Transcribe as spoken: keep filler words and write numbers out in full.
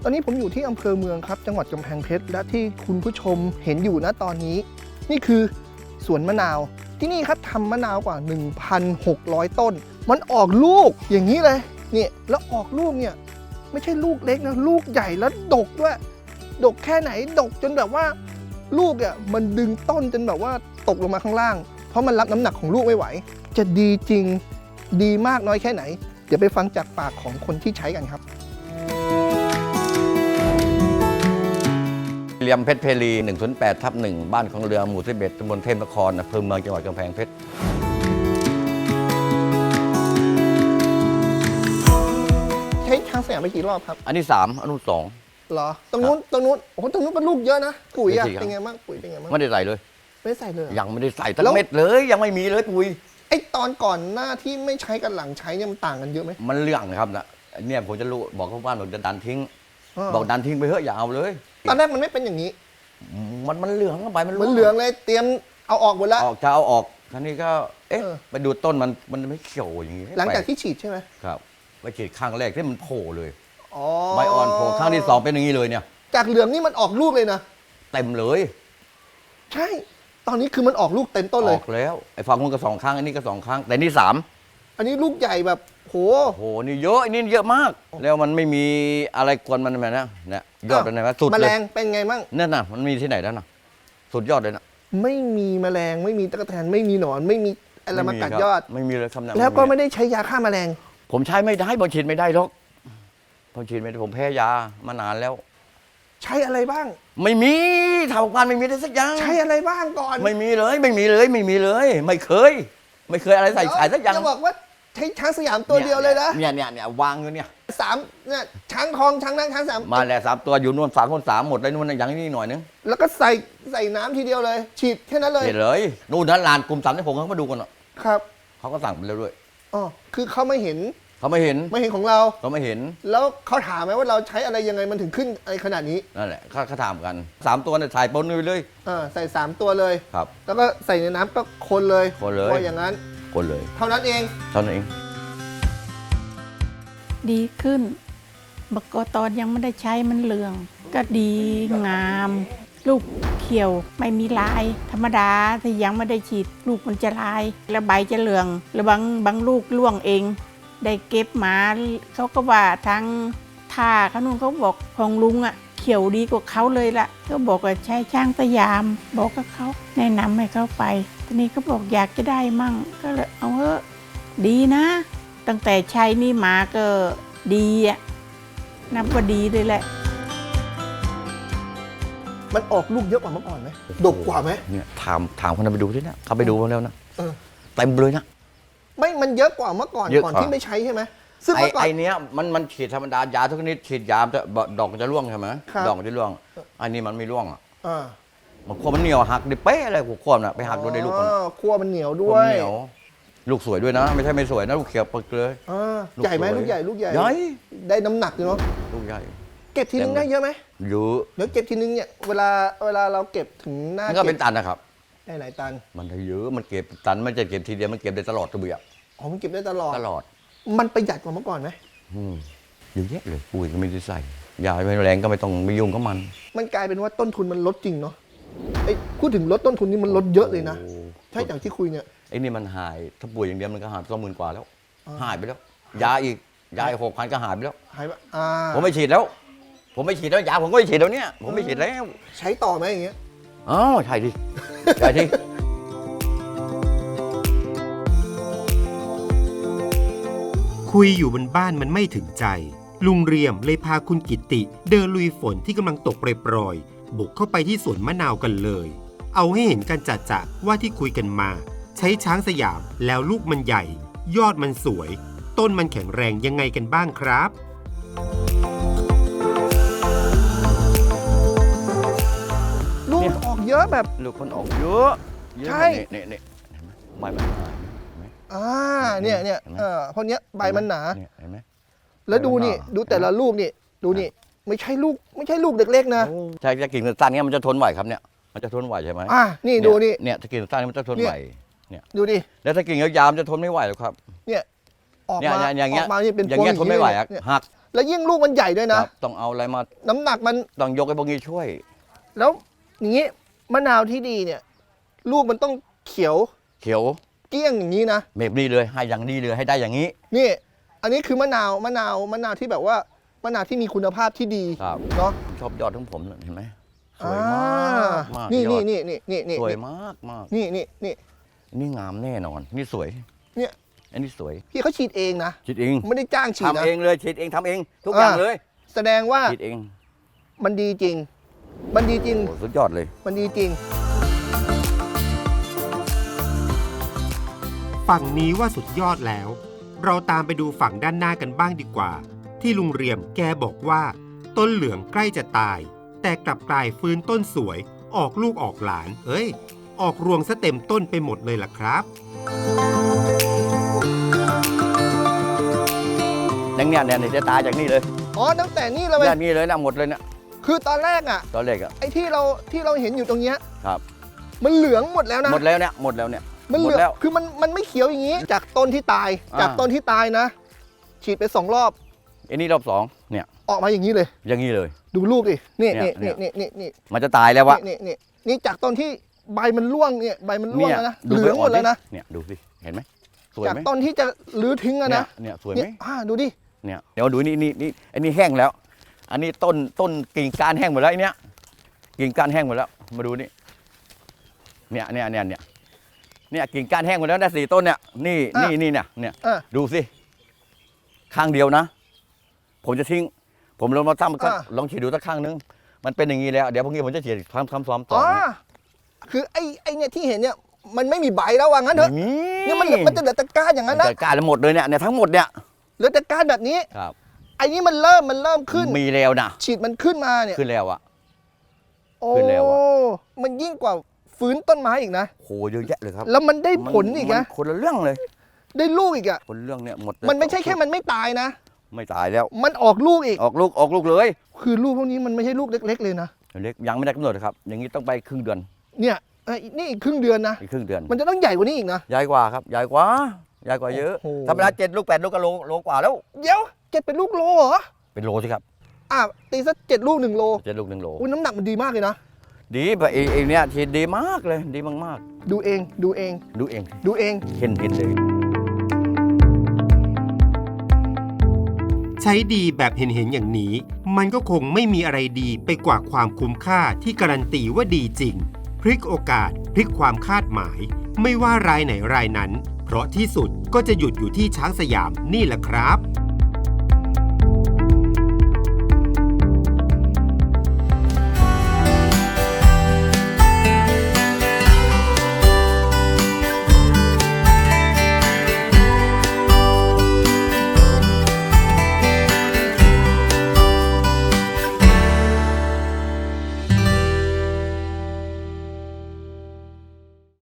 ตอนนี้ผมอยู่ที่อำเภอเมืองครับจังหวัดกำแพงเพชรและที่คุณผู้ชมเห็นอยู่นะตอนนี้นี่คือสวนมะนาวที่นี่ครับทำมะนาวกว่า หนึ่งพันหกร้อย ต้นมันออกลูกอย่างนี้เลยเนี่ยแล้วออกลูกเนี่ยไม่ใช่ลูกเล็กนะลูกใหญ่แล้วดกด้วยดกแค่ไหนดกจนแบบว่าลูกเนี่ยมันดึงต้นจนแบบว่าตกลงมาข้างล่างเพราะมันรับน้ำหนักของลูกไม่ไหวจะดีจริงดีมากน้อยแค่ไหนเดี๋ยวไปฟังจากปากของคนที่ใช้กันครับเรียมเพชรเพลี หนึ่งศูนย์แปดทับหนึ่ง บ้านของเรือหมู่สิบเอ็ดตำบลเทพนครอำเภอเมืองจังหวัดกำแพงเพชรใช้ช้างสยามไปกี่รอบครับอันที่สามอันนู้นสองเหรอตรงนู้นตรงนู้นโอ้โหตรงนู้นเป็นลูกเยอะนะปุ๋ยอะเป็นสี่ครับเป็นไงบ้างปุ๋ยเป็นไงบ้างไม่ได้ใส่เลยไม่ได้ใส่เลยเหรอยังไม่ได้ใส่ตั้แล้งวเม็ดเลยยังไม่มีเลยปุ๋ยไอตอนก่อนหน้าที่ไม่ใช้กับหลังใช้เนี่ยมันต่างกันเยอะไหมมันเรื่องนะครับนะเนี่ยผมจะรู้บอกเขาบ้านบอกจะดันทิ้งอ๋อบอกดันทิ้งไปเถอะอย่าเอาเลยตอนแรกมันไม่เป็นอย่างนี้มันมันเหลืองเข้าไปมันมันเหลืองเลยเตรียมเอาออกหมดแล้วออกจะเอาออกท่านี้ก็เอ๊ะเออไปดูต้นมันมันไม่เขียวอย่างนี้หลังจากแปที่ฉีดใช่ไหมครับไปฉีดข้างแรกที่มันโผล่เลยอ๋อใบอ่อนโผล่ข้างที่สองเป็นอย่างนี้เลยเนี่ยจากเหลืองนี่มันออกลูกเลยนะเต็มเลยใช่ ตอนนี้คือมันออกลูกเต็มต้นเลอย อกแล้วไอ้ฝั่งนู้นก็สองครั้งอันนี้ก็สองครั้งแต่นี่สามอันนี้ลูกใหญ่แบบโหโอ้โหนี่เยอะอันนี่เยอะมาก แล้วมันไม่มีอะไรกวนมันนะเนี่ยยอดเป็นไงวะสุดแมเลลยงเป็นไงมั่งนั่นน่ะมันมีที่ไหนแล้วน่ะสุดยอดเลยนะไม่มีแมลงไม่มีตะกแตนไม่มีหนอนไม่มีอะไรมากัดครับยอดไม่มีเลยคำนั้นแล้วก็ไม่ได้ใช้ยาฆ่าแมลงผมใช้ไม่ได้ผมฉีดไม่ได้หรอกผมฉีดไม่ได้ผมแพ้ยามานานแล้วใช้อะไรบ้างไม่มีทางการไม่มีได้สักอย่างใช้อะไรบ้างก่อนไม่มีเลยไม่มีเลยไม่มีเลย ไม่เคย ไม่เคยอะไรใส่ใส่สักอย่างจะบอกว่าใช้ช้างสยามตัวเดียวเลยนะเนี่ยเนี่ยเนี่ยวางอยู่เนี่ยสามเนี่ยช้างทองช้างนางช้างสามมาแล้วสามตัวอยู่นู่นสามคนสามหมดเลยนู่นอย่างนี้หน่อยนึงแล้วก็ใส่ใส่น้ำทีเดียวเลย ฉีดแค่นั้นเลยเห็นเลยนู่นนั้นลานกลุ่มสามที่ผมเขามาดูกันอ่ะครับเขาก็สั่งไปแล้วด้วยอ๋อคือเขาไม่เห็นเขาไม่เห็นไม่เห็นของเราเขาไม่เห็นแล้วเขาถามไหมว่าเราใช้อะไรยังไงมันถึงขึ้นอะไรขนาดนี้นั่นแหละเขาเขาถามกันสามตัวเนี่ยถ่ายปนไปเลยอ่าใส่สามตัวเลยครับแล้วก็ใส่ในน้ำก็คนเลยคนเลยพออย่างนั้นคนเลยเท่านั้นเองเท่านั้นเองดีขึ้นบกตอนยังไม่ได้ใช้มันเหลือง ก็ดีงาม ลูกเขียวไม่มีลาย ธรรมดาถ้ายังไม่ได้ฉีดลูกมันจะลาย แล้วใบจะเหลืองแล้วบางบางลูกร่วงเอง ได้เก็บมาเขาก็ว่าทางท่าเขานู่นเขาบอกของลุงอะเขียวดีกว่าเขาเลยล่ะก็บอกว่าใช้ช้างสยาม บอกกับเขาแนะนำให้เขาไปทีนี้เขาบอกอยากจะได้มั่งก็เลยเอาเถอะดีนะ ตั้งแต่ใช้นี่มาก็ดีอะนับว่าดีเลยแหละมันออกลูกเยอะกว่าเมื่อก่อนไหมดกกว่าไหมเนี่ยถามถามคนนั้นไปดูที่นะเขาไปดูมาแล้วนะเออเต็มเลยนะไม่มันเยอะกว่าเมื่อก่อนเยอะกก่ว่าอนที่ไม่ใช้ใช่ไหมซึ่งไอ้เมื่อก่อนไอ้เนี้ยมันมันฉีดธรรมดายาทุกชนิดฉีดยาจะดอกมันจะร่วงใช่ไหมครับดอกมันจะร่วงอันนี้มันไม่ร่วงอ่ะอ่ามันขั้วมันเหนียวหักดิเป๊ะอะไรหัวขั้วน่ะไปหักโดนในลูกมันอ๋อคั่วมันเหนียวด้ขั้ววย มันเหนียวลูกสวยด้วยนะ ไม่ใช่ไม่สวยนะลูกเขียวปึกเลยอ่าลูกใหญ่ไหมสวยลูกใหญ่ลูกใหญ่ใหญ่ได้น้ำหนักอยู่เนาะลูกใหญ่เก็บทีนึงเต็มได้เยอะไหมเยอะเดี๋ยวเก็บทีนึงเนี่ยเวลาเวลาเราเก็บถึงหน้ามันก็เป็นเก็บตันนะครับได้หลายตันมันได้เยอะมันเก็บตันมันจะเก็บทีเดียวมันเก็บได้ตลอดตัวเบียอ๋อมันเก็บได้ตลอดตลอดมันประหยัดกว่าเมื่อก่อนไหมอืมเยอะแยะเลยปุ๋ยก็ไม่ได้ใส่ยาไม่แรงก็ไม่ต้องไปยุ่งกับมันมันกลายเป็นว่าต้นทุนมันลดจริงเนาะไอ้พูดถึงลดต้นทุนนี่มันลดเยอะเลยนะโอ้ใช่อย่างที่คุยเนี่ยไอ้นี่มันหายถ้าป่วยอย่างเดียวมันก็หายสองหมื่นกว่าแล้วอ่าหายไปแล้ว ยาอีกยาอีกหกพันก็หายไปแล้วหายไปอ่าผมไม่ฉีดแล้ว ผมไม่ฉีดแล้วยาผมก็ไม่ฉีดแล้วเนี่ยผมไม่ฉีดแล้วใช้ต่อไหมอย่างเงี้ยอ๋อใช่ดิใช่ดิคุยอยู่บนบ้านมันไม่ถึงใจ ลุงเรียมเลยพาคุณกิตติเดินลุยฝนที่กำลังตกโปรยๆบุกเข้าไปที่สวนมะนาวกันเลย เอาให้เห็นกันจัดๆว่าที่คุยกันมา ใช้ช้างสยามแล้วลูกมันใหญ่ ยอดมันสวย ต้นมันแข็งแรงยังไงกันบ้างครับลูกออกเยอะแบบลูกคนออกเยอะเยอะใช่เนี่ยเนี่ยเห็นไหมใบมันหนาเห็นไหมอ่าเนี่ยเนี่ยเห็นไหมเออเพราะเนี้ยใบมันหนาเนี่ยเห็นไหมแล้วดูนี่ใบมันหนาดูแต่ละลูกนี่ดูนี่ไม่ใช่ลูกไม่ใช่ลูกเล็กๆนะใช่ถ้ากิ่งสั้นๆเงี้ยมันจะทนไหวครับเนี่ยมันจะทนไหวใช่ไหมอ่านี่ดูนี่เนี่ยถ้ากิ่งสั้นๆมันจะทนไหวดูดิแล้วถ้ากิ่งยาวๆมันจะทนไม่ไหวหรอกครับเนี่ยออกเนี่ยมาอย่างอเงี้อย กมานี่เป็นอย่างเงี้ยพทวงนไม่ไหวอะเนี่ยหักแล้วยิ่งลูกมันใหญ่ด้วยคนะรับต้องเอาอะไรมาน้ำหนักมันต้องยกไอ้พวกนี้ช่วยแล้วอย่างนี้มะนาวที่ดีเนี่ย ลูกมันต้องเขียวเขียวเกลี้ยงอย่างนี้นะแบบนี้เลยให้อย่างนี้เลยให้ได้อย่างนี้นี่ อันนี้คือมะนาวมะนาวมะนาวที่แบบว่ามะนาวที่มีคุณภาพที่ดีครับเนาะผมชอบยอดของผมน่ะเห็นไหมสอ่วยมาากมากนี่ยอนี่ดนี่นี่นี่นี่สวยมากมากนี่นี่นี่นี่งามแน่นอน นี่สวยเนี่ยอันนี้สวยพี่เขาฉีดเองนะฉีดเองไม่ได้จ้างฉีดนะทำเองเลยฉีดเองทำเอง ทุกอย่างอ่าเลยแสดงว่าฉีดเองมันดีจริง มันดีจริงโอ้สุดยอดเลยมันดีจริงฝั่งนี้ว่าสุดยอดแล้ว เราตามไปดูฝั่งด้านหน้ากันบ้างดีกว่า ที่ลุงเรียมแกบอกว่า ต้นเหลืองใกล้จะตาย แต่กลับกลายฟื้นต้นสวย ออกลูกออกหลาน เอ้ย ออกรวงซะเต็มต้นไปหมดเลยล่ะครับอย่างเนี้ยเนี่ยจะตายจากนี่เลยอ๋อตั้งแต่นี่เราไปเนี่ยนี่เลยนะหมดเลยเนี่ยคือตอนแรกอ่ะตอนแรกอะไอ้ที่เราที่เราเห็นอยู่ตรงเนี้ยครับมันเหลืองหมดแล้วนะหมดแล้วเนี่ยหมดแล้วเนี่ยมันเหหมลืดองแล้วคือมันมันไม่เขียวอย่างนี้ จากต้นที่ตายอ่าจากต้นที่ตายนะ ฉีดไปสองรอบอันนี้รอบสองเนี่ยออกมาอย่างนี้เลยอย่างนี้เลยดูลูกดินี่เนี่นี่ยนี่นี่นี่นี่มันจะตายแล้ววะนี่นี่นี่จากต้นที่ใบมันร่วงเนี่ยใบมันร่วงเนี่ยแล้วนะดูเหลืองหมดแล้วนะเนี่ยดูสิเห็นไหมสวยจากไหมต้นที่จะรื้อทิ้งอะเนี่ยนะเนี่ยสวยไหเนี่มยอ่าดูดิเนี่ยเดี๋ยวดูนี่นี่นี่อันนี้แห้งแล้ว อันนี้ต้นต้นกิ่งก้านแห้งหมดแล้วไอ้เนี้ยกิ่งก้านแห้งหมดแล้วมาดูนี่เนี่ยเนี่ยเนี่ยเนี่ยเนี่ยกิ่งก้านแห้งหมดแล้วนะสี่ต้นเนี่ยนี่นี่นี่เนี่ยเนี่ยอ่าดูสิข้างเดียวนะ ผมจะทิ้ง ผมลองมาทำก็อ่าลองฉีดดูสักข้างนึงมันเป็นอย่างนี้แล้วเดี๋ยวพรุ่งนี้ผมจะฉีดทำทำซ้อมต่อ๋ออนะคือไอ้ไอ้เนี่ยที่เห็นเนี่ยมันไม่มีใบแล้วว่างั้นเถอะไม่มีเนี่ยมันเหลือมันจะเหลือแต่ก้านอย่างนั้นนะจัดการหมดเลยเนี่ยเนี่ยทั้งหมดเนี่ยเหลือแต่ก้านแบบนี้ครับไอ้นี่มันเริ่มมันเริ่มขึ้นมีแล้วนะฉีดมันขึ้นมาเนี่ยขึ้นแล้วอะโอ้ขึ้นแล้วอะมันยิ่งกว่าฟื้นต้นไม้อีกนะโหเยอะแยะเลยครับแล้วมันได้ผลอีกนะมัคนละเรื่องเลยได้ลูกอีกอ่ะคนละเรื่องเนี่ยหมดมันไม่ใช่แค่มันไม่ตายนะไม่ตายแล้วมันออกลูกอีกออกลูกออกลูกเลยคือลูกพวกนี้มันไม่ใช่ลูกเล็ก ๆ เลยนะเล็กยังไม่ได้กำหนดครับ อย่างนี้ต้องไปครึ่งเดือนเนี่ยเอ้ยนี่อีกครึ่งเดือนนะอีกครึ่งเดือนมันจะต้องใหญ่กว่านี้อีกนะใหญ่กว่าครับใหญ่กว่าใหญ่กว่าเยอะโอ้โหธรรมดาเจ็ดลูกแปดลูกก็โลโลกว่าแล้วเดี๋ยวเจ็ดเป็นลูกโลเหรอเป็นโลสิครับอ่ะตีสักเจ็ดลูกหนึ่งโลเจ็ดลูกหนึ่งโลอุ้ยน้ำหนักมันดีมากเลยนะดีแบบเองเองเนี่ยฉีดดีมากเลยดีมากดูเองดูเองๆดูเองดูเองเห็นเห็นเลยใช้ดีแบบเห็นๆอย่างนี้ มันก็คงไม่มีอะไรดีไปกว่าความคุ้มค่าที่การันตีว่าดีจริง พลิกโอกาสพลิกความคาดหมาย ไม่ว่ารายไหนรายนั้น เพราะที่สุดก็จะหยุดอยู่ที่ช้างสยามนี่แหละครับ